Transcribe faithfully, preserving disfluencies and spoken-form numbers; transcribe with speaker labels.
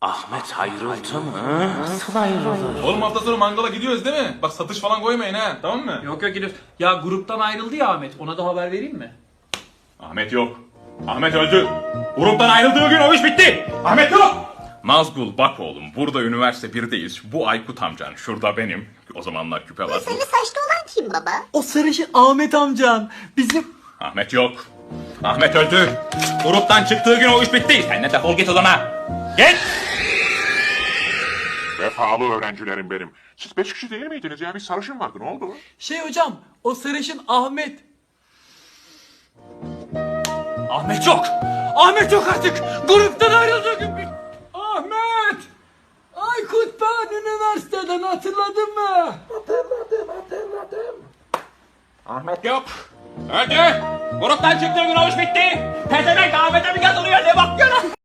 Speaker 1: Ahmet ayrıldı mı? Nasıl ayrılır?
Speaker 2: Oğlum hafta sonu mangala gidiyoruz değil mi? Bak satış falan koymayın ha, tamam mı?
Speaker 3: Yok yok gidiyoruz. Ya gruptan ayrıldı ya Ahmet. Ona da haber vereyim mi?
Speaker 2: Ahmet yok. Ahmet öldü. Gruptan ayrıldığı gün o iş bitti. Ahmet yok. Nazgul bak oğlum, burada üniversite birdeyiz. Bu Aykut amcan, şurada benim. O zamanlar küpe var.
Speaker 4: Sarı saçlı olan kim baba?
Speaker 3: O sarışın Ahmet amcan. Bizim...
Speaker 2: Ahmet yok. Ahmet öldü. Gruptan çıktığı gün o iş bitti. Sen de defol git odana. Git.
Speaker 5: Vefalı öğrencilerim benim. Siz beş kişi değil miydiniz ya? Bir sarışın vardı. Ne oldu?
Speaker 3: Şey hocam, o sarışın Ahmet.
Speaker 2: Ahmet yok.
Speaker 3: Ahmet yok artık. Gruptan ayrıldı gün bir... Ahmet! Aykut ben üniversiteden hatırladın mı?
Speaker 2: Ahmet yok. Öldü. Gruptan çıktığı gün o iş bitti. Pezevenk Ahmet'e mi yazılıyor, ne bakıyorsun?